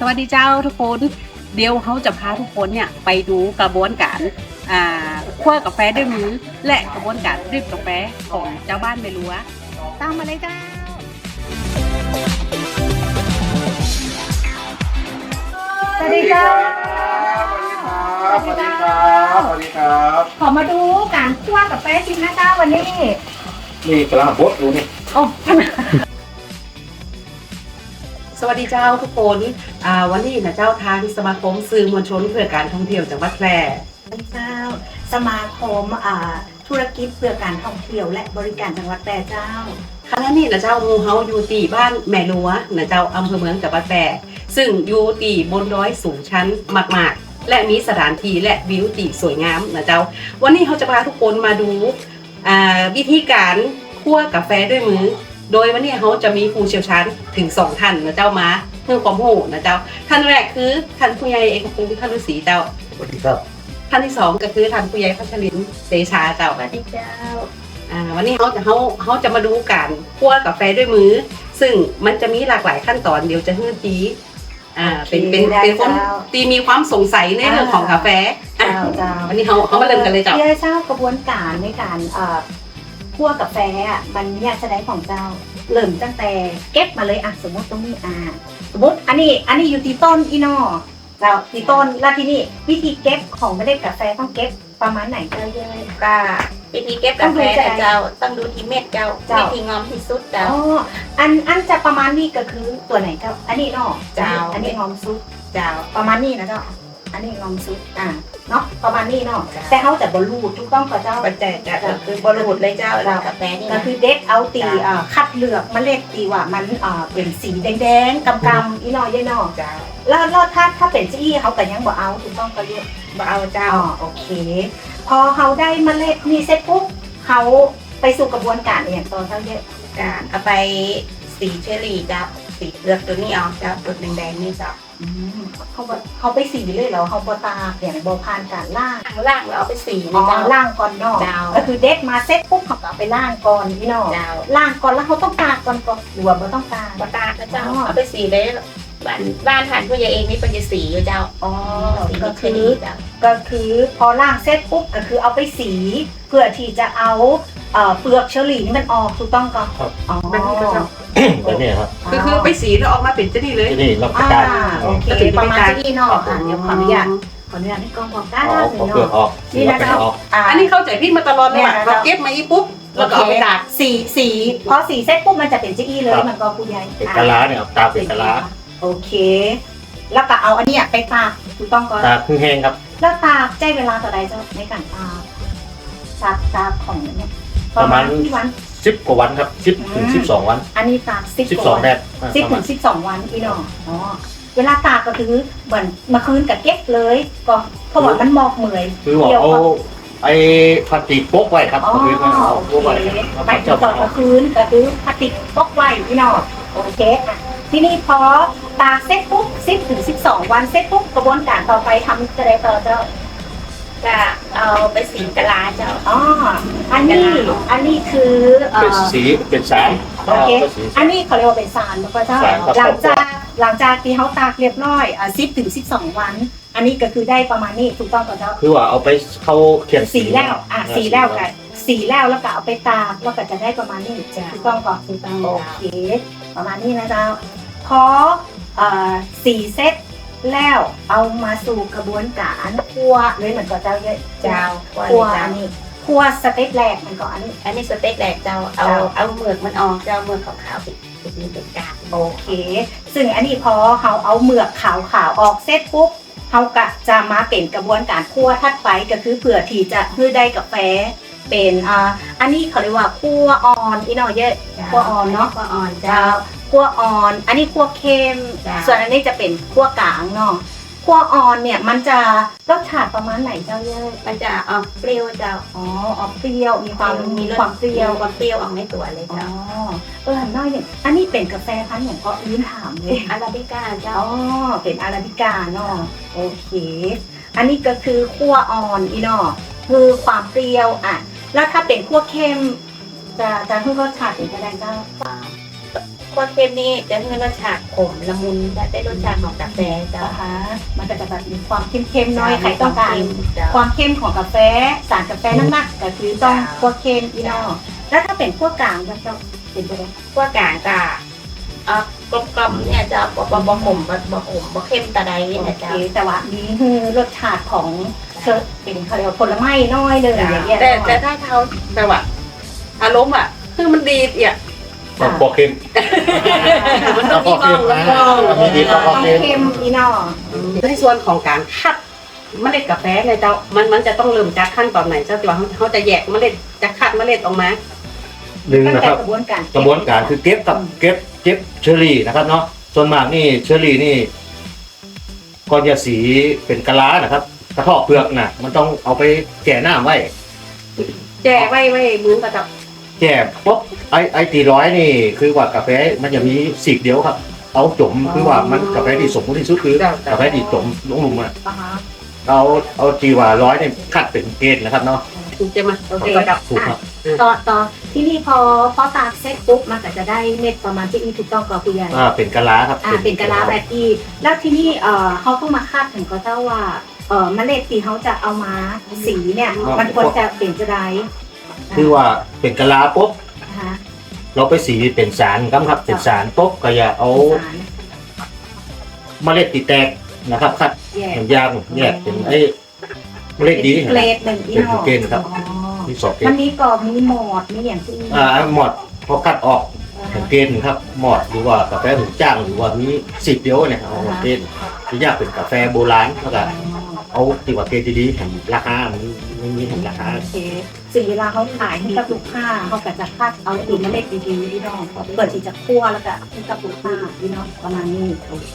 สวัสดีเจ้าทุกคนเดี๋ยวเขาจะพาทุกคนเนี่ยไปดูกระบวนการคั่วกาแฟด้วยมือและกระบวนการดริบกาแฟของเจ้าบ้านเมลัวตามมาเลยเจ้าสวัสดีเจ้าสวัสดีครับขอมาดูการคั่วกาแฟจริงนะเจ้าวันนี้นี่กำลังบดดูนี่โอ้สวัสดีเจ้าทุกคนวันนี้นะเจ้าทางสมาคมสื่อมวลชนเพื่อการท่องเที่ยวจังหวัดแพร่เจ้าสมาคมธุรกิจเพื่อการท่องเที่ยวและบริการจังหวัดแพร่เจ้าคณะนี้นะเจ้ามูเฮาอยู่ตีบ้านแม่ลัวนะเจ้าอำเภอเมืองจังหวัดแพร่ซึ่งอยู่ตีบนดอยสูงชั้นมากๆและมีสถานที่และวิวตีสวยงามนะเจ้าวันนี้เขาจะพาทุกคนมาดูวิธีการคั่วกาแฟด้วยมือโดยวันนี้เขาจะมีผู้เชี่ยวชาญถึง2ท่านนะเจ้ามาเพื่อความรู้นะเจ้าท่านแรกคือท่านผู้ใหญ่เอกพงศ์ท่านฤาษีเจ้าสวัสดีครับท่านที่2ก็คือท่านผู้ใหญ่พัชรินทร์เสชาเจ้าสวัสดีเจ้าวันนี้เขาจะมาดูการคั่วกาแฟด้วยมือซึ่งมันจะมีหลากหลายขั้นตอนเดี๋ยวจะให้จีเป็นคนตีมีความสงสัยในเรื่องของกาแฟวันนี้เขามาเริ่มกันเลยเจ้าเจ้ากระบวนการในการคั่วกาแฟมันเนี่ยจะได้ของเจ้าเริ่มตั้งแต่เก็บมาเลยสมมติตรงนี้สมมติอันนี้อยู่ที่ต้นอีนอเจ้าที่ต้นแล้วที่นี่วิธีเก็บของเมล็ดกาแฟต้องเก็บประมาณไหนเจ้าเยอะก็วิธีเก็บกาแฟเจ้าต้องดูที่เม็ดเจ้าวิธีงอมที่สุดเจ้าอันจะประมาณนี้ก็คือตัวไหนเจ้าอันนี้เนาะเจ้าอันนี้งอมสุดเจ้าประมาณนี้นะเจ้าอันนี้งอมสุดเนาะประมาณนี้เนาะแต่เขาจะบรรลุถูกต้องกับเจ้าปัจจัยก็คือบริบทเลยเจ้ากาแฟนี่ก็คือเด็ดเอาตีคัดเลือกเมล็ดตีว่ามันเป็นสีแดงๆกำๆอีนอยนอเจ้าแล้วถ้าเป็นจี้เขาก็ยังบ่เอาถูกต้องก็เยอะบ่เอาเจ้าโอเคพอเขาได้เมล็ดนี่เสร็จปุ๊บเขาไปสู่กระบวนการอย่างตอนเท่าเยอะการเอาไปสีเชอรี่เจ้าสีเลือกตัวนี้ออกเจ้าตัวแดงๆนี่เจ้าเขาไปสีเลยเหรอเขาบตาอย่างบผ่านการล่างเราเอาไปสีนะเจ้าล่างก่อนเนาะก็คือเด็ดมาเซ็ตปุ๊บเขาเอาไปล่างก่อนพี่น้องล่างก่อนแล้วเขาต้องตากก่อนหรือว่าไม่ต้องตากตากนะเจ้าเอาไปสีเลยบ้านทานผู้ใหญ่เองนี่เป็นจะสีอยู่เจ้าก็คือพอล่างเซ็ตปุ๊บก็คือเอาไปสีเพื่อที่จะเอาเปลือกเชอรี่นี่มันออกถูกต้องก่อนแบบนี้ก็เจ้าแบบนี้ครับคือไปสีแล้วออกมาเป็นเจนี่เลยนี่รับประกันโอเคประมาณเจนี่เนาะเดี๋ยวขออนุญาตให้กล้องบอกได้เลยเนาะนี่นะเจ้าอันนี้เข้าใจพี่มาตลอดเลยเราเก็บมาอีปุ๊บแล้วก็เอาไปตากสีพอสีเซ็ตปุ๊บมันจะเป็นเจนี่เลยมันก็คุณยายเป็นกะลาเนี่ยตาเป็นกะลาโอเคแล้วก็เอาอันนี้ไปตากถูกต้องก่อนตากแห้งครับแล้วตากใจเวลาต่อใดเจ้าในการตากของเนี่ยประมาณวัน10 กว่าวันครับ10 ถึง 12 วันอันนี้ตาก 12 แดด 10 ถึง 12 วันพี่น้องเวลาตากก็คือเหมือนมาคืนกับเก็บเลยก็เพราะว่ามันหมอกเหมยคือว่าเอาไอ้พลาสติกโป๊กไว้ครับคือมันเอาโป๊กไว้ไปต่อมาคืนก็คือพลาสติกโป๊กไว้พี่น้องโอเคทีนี้พอตากเสร็จปุ๊บ10 ถึง 12 วันเสร็จปุ๊บกระบวนการต่อไปทำจะได้ต่อเจ้าจะเอาไปสีกะลาเจ้าอันนี้คือเป็นสีเป็นสารโอเคอันนี้เขาเรียกว่าเป็นสารแล้วก็เจ้าหลังจากที่เขาตากเรียบร้อย10 ถึง 12 วันอันนี้ก็คือได้ประมาณนี้ถูกต้องก่อนเจ้าคือว่าเอาไปเข้าเขียนสีแล้วสีแล้วแล้วก็เอาไปตากแล้วก็จะได้ประมาณนี้ถูกต้องก่อนถูกต้องโอเคประมาณนี้นะเจ้าพอสีเซตแล้วเอามาสู่กระบวนการคั่วเลยเหมือนกับเจ้าคั่วอันนี้คั่วสเต็ปแรกมันก็อันนี้สเต็ปแรกเจ้าเอาเมือกมันออกเจ้าเมือกขาวๆเป็นกากโอเคซึ่งอันนี้พอเขาเอาเมือกขาวออกเสร็จปุ๊บเขาก็จะมาเป็นกระบวนการคั่วถัดไปก็คือเผื่อที่จะให้ได้กาแฟเป็นอันนี้เขาเรียกว่าคั่วอ่อนอีน้อยเยอะคั่วอ่อนเนาะคั่วอ่อนเจ้าคั่วอ่อนอันนี้คั่วเค็มส่วนอันนี้จะเป็นคั่วกลางเนาะคั่วอ่อนเนี่ยมันจะรสชาติประมาณไหนเจ้าเยอะมันจะออกเปรี้ยวเจ้าออกเปรี้ยวมีความเปรี้ยวออกในตัวเลยเจ้าน้อยอย่างอันนี้เป็นกาแฟพันธุ์อย่างก็ยืนถามเลยอาราบิก้าเจ้าเป็นอาราบิก้าเนาะโอเคอันนี้ก็คือคั่วอ่อนอีเนาะคือความเปรี้ยวแล้วถ้าเป็นคั่วเค็มจะเพิ่มรสชาติเป็นกระไดเจ้าคั่วเข้มนี่จะให้รสชาติขมละมุนและได้รสชาติของกาแฟเจ้านะคะมันก็จะแบบมีความเข้มๆน้อยใครต้องการเจ้าความเข้มของกาแฟสารกาแฟนักๆก็คือต้องคั่วเข้มอีนอแล้วถ้าเป็นคั่วกลางก็จะเป็นไปได้คั่วกลางก็กลมๆเนี่ยเจ้าบ่ขมบ่เข้มตะไดโอเนี่ยเคเจ้าแต่ว่านี่คือรสชาติของเป็นเขาเรียกว่าผลไม้น้อยเลยอย่างเงี้ยแต่ถ้าเขาแต่ว่าอารมณ์อ่ะคือมันดีอ่ะต้องพอเค็มมันต้องมีบ้างแล้วก็มีดีก็ต้องเข้มอีนอในส่วนของการคัดเมล็ดกาแฟเนี่ยเจ้ามันจะต้องเริ่มจากขั้นตอนไหนเจ้าตัวเขาจะแยกเมล็ดจะคัดเมล็ดออกมาหนึ่งตั้งนะแต่ครับกระบวนการกระบวนการคือเก็บเชอรี่นะครับเนาะส่วนมากนี่เชอรี่นี่ก่อนจะสีเป็นกะลานะครับกระเทาะเปลือกน่ะมันต้องเอาไปแก่น้ำไว้แจกไว้มือกับจับแก่ปุ๊บไอตีร้อยนี่คือว่ากาแฟมันจะมีสีกเดียวครับ เอาจมคือว่ามันกาแฟที่สมบูรณ์ที่สุดคือกาแฟที่จมลงหลุมอ่ะอ่าฮะเอาจีว่าร้อยเนี่ยคัดเป็นเกณฑ์นะครับเนาะถูกใช่ไหมโอเคกับจับถูกครับต่อที่นี่พอตากเสร็จปุ๊บมันก็จะได้เม็ดประมาณที่อีถูกต้องกับคุณยายเป็นกะลาครับเป็นกะลาแบบที่แล้วที่นี่เขาต้องมาคาดถึงก็เจ้าว่าเมล็ดที่เขาจะเอามาสีเนี่ยมันควรจะเป็นจะได้คือว่าเป็นกะลาปุ๊บนะคะเราไปสีเป็นสารครับเป็นสารปุ๊บก็อย่าเอาสารเมล็ดตีแตกนะครับคัดแยกยางแยกเป็นไอ้เมล็ดดีเกรดหนึ่งอีเป็นหอเกณฑ์ครับอ๋อที่สอบเกมัณนฑ์มีกรอบมีหมอดมีอย่างที่หมดพอคัดออกเป็นเกณฑ์ครับหมดหรือว่ากาแฟหูจ้างหรือว่ามีสิบเดียวเนี่ยเอาเกณฑ์ที่ยากเป็นกาแฟโบราณแล้วก็เอาตีว่าเกณฑ์ดีๆเห็นราคามันไม่มีเห็นราคาโอเคซึ่งเวลาเขาขายให้กับลูกค้าเขาก็จะคัดเอาตีเมล็ดดีๆที่น้องเปิดที่จะคั่วแล้วก็ให้กับลูกค้าที่น้องประมาณนี้โอเค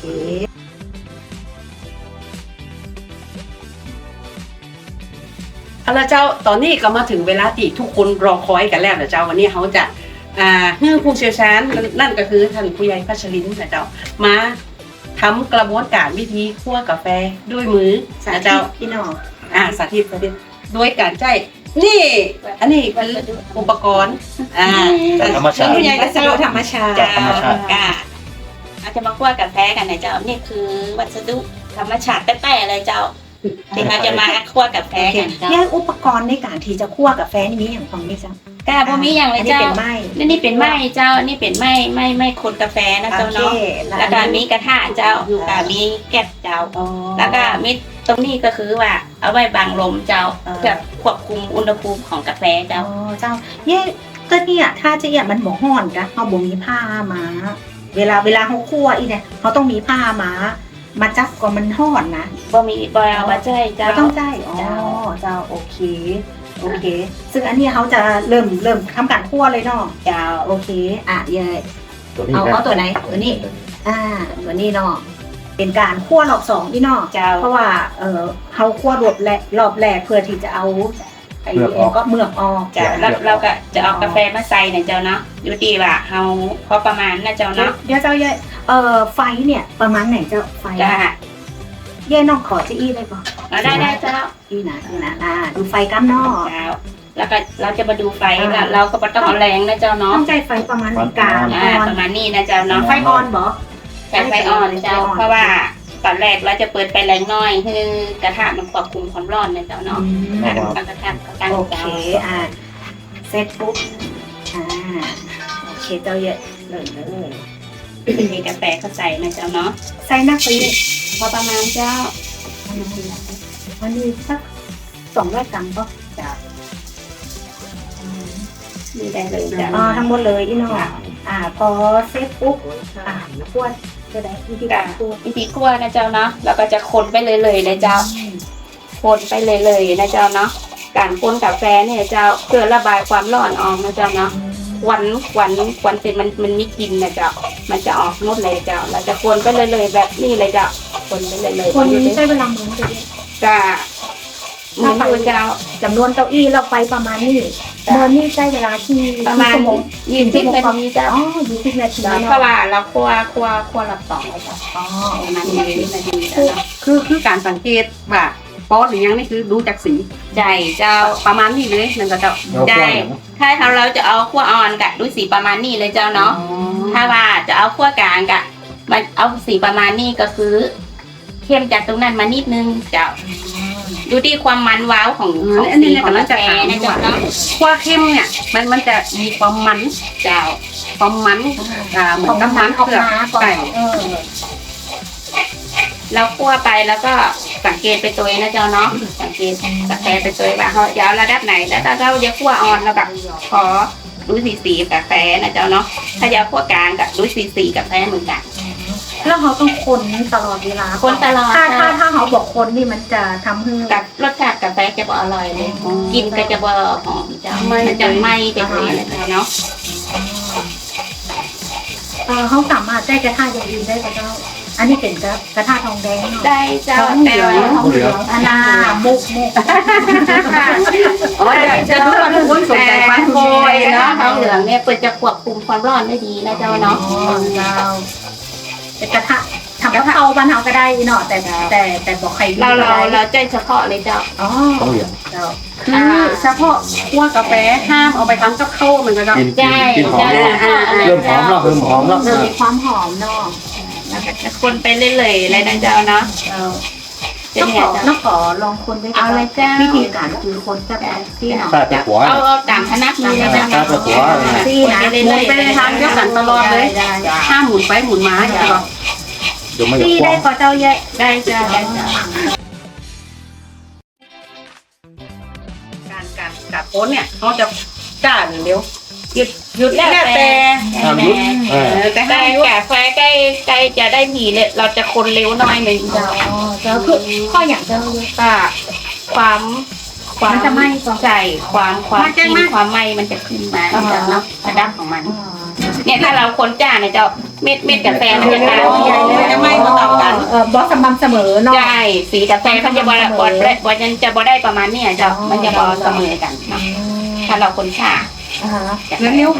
เอาละเจ้าตอนนี้ก็มาถึงเวลาที่ทุกคนรอคอยกันแล้วนะเจ้าวันนี้เขาจะให้ผู้เชี่ยวชาญนั่นก็คือท่านผู้ใหญ่พัชรินนะเจ้ามาทำกระบวนการวิธีคั่วกาแฟด้วยมือนะเจ้าพี่น้องสาธิตด้วยการใช้นี่อันนี้คืออุปกรณ์จากธรรมชาติผู้ใหญ่ก็จะธรรมชาติจากธรรมชาติอาจจะมาคั่วกาแฟกันนะเจ้านี่คือวัสดุธรรมชาติแต้ๆเลยเจ้าที่เราจะมาคั่วกาแฟโอเคกันเจ้าแยกอุปกรณ์ในการที่จะคั่วกาแฟนี่มีอย่างของนี่จ้ะกาบ่มีอย่างเลยอันนี้เจ้าเป็นไม้นี่เป็นไม้เจ้านี่เป็นไม้คนกาแฟนะเจ้าเนาะโอเคแล้วก็มีกระทะเจ้าก็มีแก๊สเจ้าอ๋อแล้วก็มีตรงนี้ก็คือว่าเอาไว้บังลมเจ้าเพื่อควบคุมอุณหภูมิของกาแฟอ๋เจ้าอเจ้าแยกก็เนี่ยถ้าจะเนี่ยมันบ่ฮ้อนกะเขาบ่มีผ้ามาเวลาเขาคั่วอีเนี่ยเขาต้องมีผ้ามาจับก่อนมันฮ้อนนะบ่เอามาใจเจ้าเราต้องใจอ๋อเจ้าโอเคโอเค ซึ่งอันนี้เขาจะเริ่มทำการคั่วเลยเนาะเจ้าโอเคเยยตัวนี้เอาตัวไหนตัวนี้ตัวนี้เนาะเป็นการคั่วรอบสองพี่เนาะเจ้าเพราะว่าเขาคั่วรอบแรกเพื่อที่จะเอาไอ้ก็เมือกออกเจ้าแล้วเราก็จะเอากาแฟมาใส่เนี่ยเจ้าเนาะอยู่ดีว่าเฮาพอประมาณนะเจ้าเนาะเดี๋ยวเจ้าเย่ไฟเนี่ยประมาณไหนเจ้าไฟจ้าเย่น้องขอจะอี้ได้ปะเอาได้เจ้าอี้นะดูไฟกั้มนอกเจ้าแล้วก็เราจะมาดูไฟแล้วเราก็บ่ต้องเอาแรงนะเจ้าเนาะต้องใจไฟประมาณกลางประมาณนี้นะเจ้าเนาะไฟออนบ่ใช้ไฟอ่อนเจ้าเพราะว่าตอนแรกเราจะเปิดไฟแรงน้อยคือกระทะมันควบคุมความร้อนนะเจ้าเนาะตั้งกระทะตั้งโอเจ้าเคเสร็จปุ๊บโอเคเจ้าเย่เลยมีกาแฟเข้าใส่นะเจ้าเนาะใส่นักไปเลยพอประมาณเจ้าวันนี้สัก200 กรัมก็เจ้ามีได้เลยเจ้าทั้งหมดเลยอีน้องพอเสร็จปุ๊บคั่วจะได้วิธีการคั่ววิธีคั่วนะเจ้าเนาะเราก็จะคนไปเลยนะเจ้าคนไปเลยนะเจ้าเนาะการคนกาแฟเนี่ยเจ้าเพื่อระบายความร้อนออกนะเจ้าเนาะควันเป็นมันมีกลิ่นนะเจ้ามันจะออกหมดเลยเจ้าเราจะคนไปเลยแบบนี้เลยเจ้าคนไปเลยคนใช้เวลาเหมือนกันจะเหมือนดูเจ้าจำนวนเก้าอี้เราไปประมาณนี้เมื่อนี่ใช้เวลาที่ประมาณชั่วโมง 20 นาทีเจ้า 20 นาทีเพราะว่าเราคั่วรอบสองเลยเจ้าประมาณ20 นาทีเจ้าเนาะคือการสังเกตว่าป๊อดหรือยังนี่คือดูจากสีใจเจ้าประมาณนี้เลยนั่นก็เจ้าใจถ้าเราจะเอาขั้วอ่อนกะดูสีประมาณนี้เลยเจ้าเนาะถ้าว่าจะเอาขั้วกลางกะมันเอาสีประมาณนี้ก็คือเข้มจากตรงนั้นมานิดนึงเจ้าดูที่ความมันว้าวของอันนี้สีเนี่ยของกำลักาง แฟจะถามนะเจ้าว่าเนาะขั้วเข้มเนี่ยมันจะมีความมันเจ้าความมันเหมือนกับมันออกเผือกมาก่อนไก่เราคั่วไปแล้วก็สังเกตไปตัวเองนะเจ้าเนาะสังเกตกาแฟไปตัวเองว่าเขาจะเอาระดับไหนแล้วถ้าเราจะคั่วอ่อนแล้วแบบขอดูสีกาแฟนะเจ้าเนาะถ้าจะคั่วกลางกับดูสีกาแฟเหมือนกันแล้วเขาต้องคนตลอดเวลาคนตลอดถ้าเขาบอกคนนี่มันจะทำให้กับรสชาติกาแฟจะบ่อร่อยเลยกินก็จะบ่หอมเจ้ามันจะไหม้ไปเลยนะเจ้าเนาะเขาสามารถได้กระทะอย่างอื่นได้ก็เจ้าอันนี้เป็นกระทะทองแดงเนาะได้เจ้าแต่ว่าทองเหลืองอันน่ามุกอ๋อจะรู้ว่าทุกคนสนใจฟันโคยเนาะเนาะทองเหลืองเนี่ยเปิดจะควบคุมความร้อนได้ดีนะเจ้าเนาะเจ้าเป็นกระทะทำกะเพราบ้านเฮาก็ได้เนาะแต่บอกใครเราใจเฉพาะเลยเจ้าอ๋อต้องเหลืองเจ้าคือเฉพาะคั่วกาแฟห้ามเอาไปทำกับข้าวเหมือนกันเนาะกินใช่กินหอมใช่เริ่มหอมแล้วเริ่มหอมแล้วมีความหอมเนาะคนไปเรื่อยๆเลยนะเจ้าเนาะน้องขอลองคนด้วยเอาเลยเจ้าวิธีการคือคนจะแบบที่เนาะใต้ตะกัวเอาตามคณะมือนะเจ้าใต้ตะกัวที่นะหมุนไปในทางเดียวกันตลอดเลยห้ามหมุนไปหมุนมาอย่างเงี้ยเดี๋ยวไม่ที่จะได้กว้างก็เจ้าเยอะได้เจ้าได้เจ้าการโอนเนี่ยเขาจะจ้าหรือเร็วหยุดแล้วแต่ห้ามยุบแต่แต่กาแฟใกล้จะได้ผีเลยเราจะคนเร็วหน่อยหนึ่งเจ้าเจ้าคือข้ออย่างเจ้าเยอะก็ความมันจะไหม้ก่อนใจความกินความไหม้มันจะขึ้นมาเจ้าเนาะระดับของมัน เนี่ยถ้าเราคนจ้าเนี่ยเจ้าเม็ดกาแฟมันจะขาวจะไม่มาต่อกันบอสสม่ำเสมอเนาะใช่สีกาแฟมันจะบได้ประมาณเนี้ยเจ้ามันจะบอเสมอกันเนาะถ้าเราคนชาเร็ว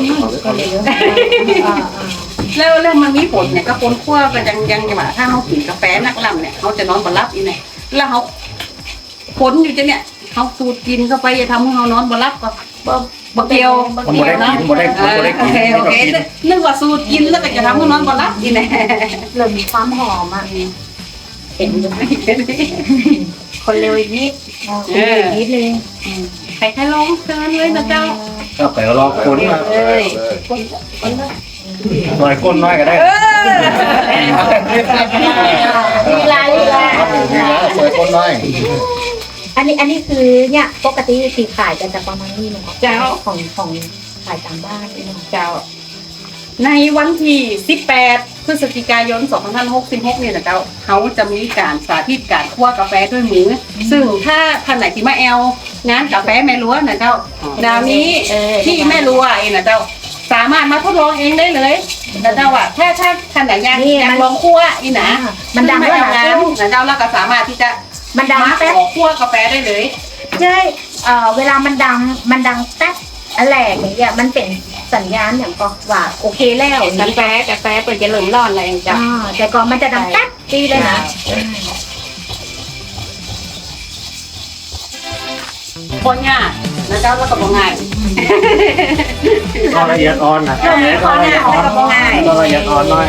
แล้วมันมีผลเนี่ยก็คนคั่วก็ยังว่าถ้าเขากินกาแฟนักล่ำเนี่ยเขาจะนอนบ่หลับอีเนี่ยแล้วเขาผลอยู่จะเนี่ยเขาสูดกินเข้าไปจะทำให้เขานอนบ่หลับก็บ่เกี่ยวมันบ่ได้กินบ่ได้กินโอเคนึกว่าสูตรกินแล้วก็จะทำให้นอนบ่หลับอีเนี่ยเริ่มมีความหอมอ่ะเห็นอยู่ไหมคนเร็วอีกนิดนิดนึงใครลองเชิญเลยนะเจ้าก็ไปลองคนมาหน่อยคนน้อยก็ได้ลีลาดีแล้วหน่อยคนน้อยอันนี้คือเนี่ยปกติสีขายจะประมาณนี้เนาะเจ้าของขายตามบ้านเนาะเจ้าในวันที่18พฤศจิกายน2566เนี่ยนะเจ้าเขาจะมีการสาธิตการคั่วกาแฟด้วยมือซึ่งถ้าท่านไหนที่มาแอลงานกาแฟแม่ลัวนะเจ้าดาวนี้ที่แม่ลัวเองนะเจ้าสามารถมาทดลองเองได้เลยนะเจ้าว่าถ้าท่านไหนอยากลองคั่วอีนะมันดังไม่ด้วยเอานะงานนะเจ้าแล้วก็สามารถที่จะมันดังมาขแป๊บอคั่วกาแฟได้เลยใช่เวลามันดังแป๊บอะไรอย่างเงี้ยมันเป็นสัญญาณอย่างก็ว่าโอเคแล้วกาแฟเปิดจะเหลืองร้อนอะไรเจ้าแต่ก่อนมันจะดังแป๊บตีเลยนะคนง่ายนะเจ้าแล้วก็บ่ง่ายก็ละเอียดอ่อนนะก็ละเอียดอ่อนก็ละเอียดอ่อนน้อย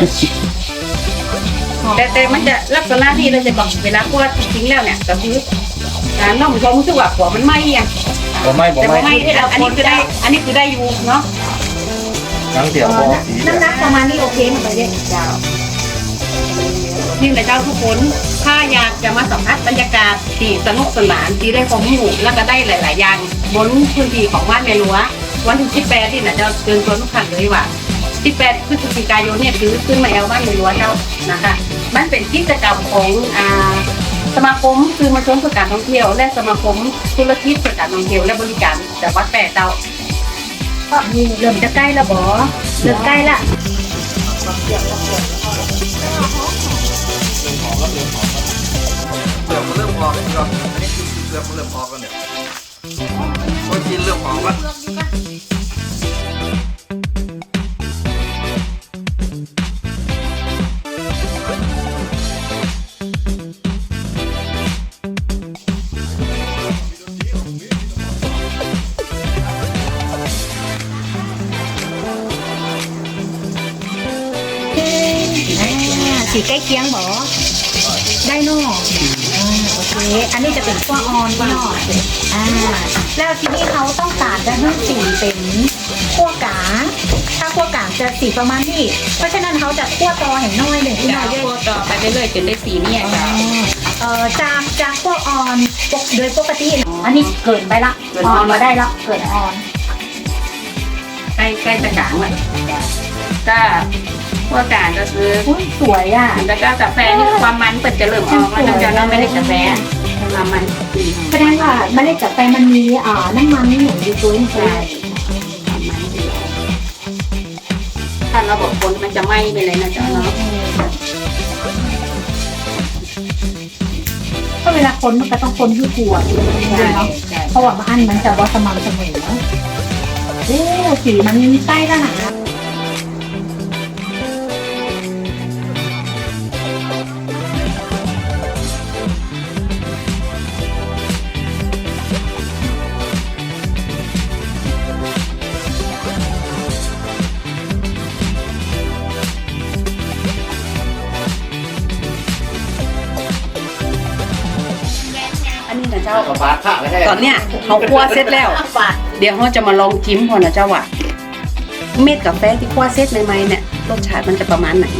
แต่มันจะลักษณะที่เราจะบอกเวลาคั่วจริงๆแล้วเนี่ยก็คือน้องผมรู้สึกว่าหัวมันไหม้อ่ะผมไม่แต่ว่าไหม้ที่เราอันนี้คือได้อยู่เนาะทั้งเสียงพอสีน้ำหนักประมาณนี้โอเคมันไปเยอะเจ้านี่แหละเจ้าทุกคนถ้าอยากจะมาสัมผัสบรรยากาศที่สนุกสนานที่ได้ความรู้แล้วก็ได้หลาย ๆ อย่างบนพื้นที่ของบ้านแม่ลัววันที่18นี่นะเจ้าเชิญชวนทุกท่านเลยว่า18พฤศจิกายนเนี่ยคือขึ้นมาแอลบ้านแม่ลัวเจ้านะคะมันเป็นกิจกรรมของสมาคมคือมาชมเพื่อการท่องเที่ยวและสมาคมธุรกิจเพื่อการท่องเที่ยวและบริการจังหวัดแปะเจ้าก็มีเริ่มจะใกล้แล้วบอเริ่มใกล้ละเริ่มพอแล้วครับอันนี้คือเริ่มพอกันเนี่ยโอ้ยกินเริ่มพอปะสีใกล้เคียงบอได้เนอะโอเค อันนี้จะเป็นขั้วอ่อนเนอะแล้วที่นี่เขาต้องการจะให้สีเป็นขั้วกลางถ้าขั้วกลางจะสีประมาณนี้ เพราะฉะนั้นเขาจะขั้วตอเห็นน้อยหนึ่งที่เจ้าน้อยเยอะคั่วต่อไปเรื่อยๆจนได้สีเนี่ยเจ้าจากขั้วอ่อนโดยปกติ อันนี้เกินไปละอ่อนมาได้ละเกินอ่อนใกล้จะกลางเลยก็คั่วกลางก็คืออุ้ยสวยอ่ะแล้วก็กาแฟนี่ความมันเปิดจะเริ่มออกแล้วนะเจ้าเนาะไม่ได้กาแฟความมันแสดงว่าเมล็ดกาแฟมันมีน้ำมันนี่หนูอยู่ตัวนี่ใช่ถ้าเราบอกคนมันจะไหม้ไปเลยนะเจ้าเนาะก็เวลาคนมันก็ต้องคนที่กลัวด้วยเนาะเพราะว่าอันมันจะว่าสม่ำเสมอโอ้สีมันใต้แล้วนะอันนี้นะเจ้าเอาปลาข้าไปให้ตอนเนี้ยเขาคั่วเสร็จแล้ว เดี๋ยวเราจะมาลองจิ้มพอนะเจ้าว่าเม็ดกาแฟที่คั่วเสร็จใหม่ๆเนี่ยรสชาติมันจะประมาณไหน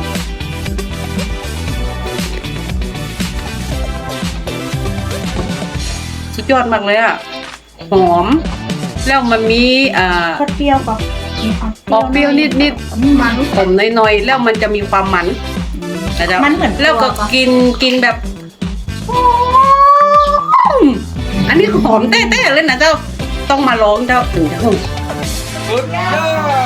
สุดยอดมากเลยอ่ะหอมแล้วมันมีก็เปรี้ยวก็มีความออกเปรี้ยวนิดมันๆผมน้อยๆแล้วมันจะมีความมันนะเจ้ามันเหมือนแล้วก็กินแบบอันนี้หอมเต้ๆเลยนะเจ้าต้องมาลองเจ้าถึงจะหอมสุดยอด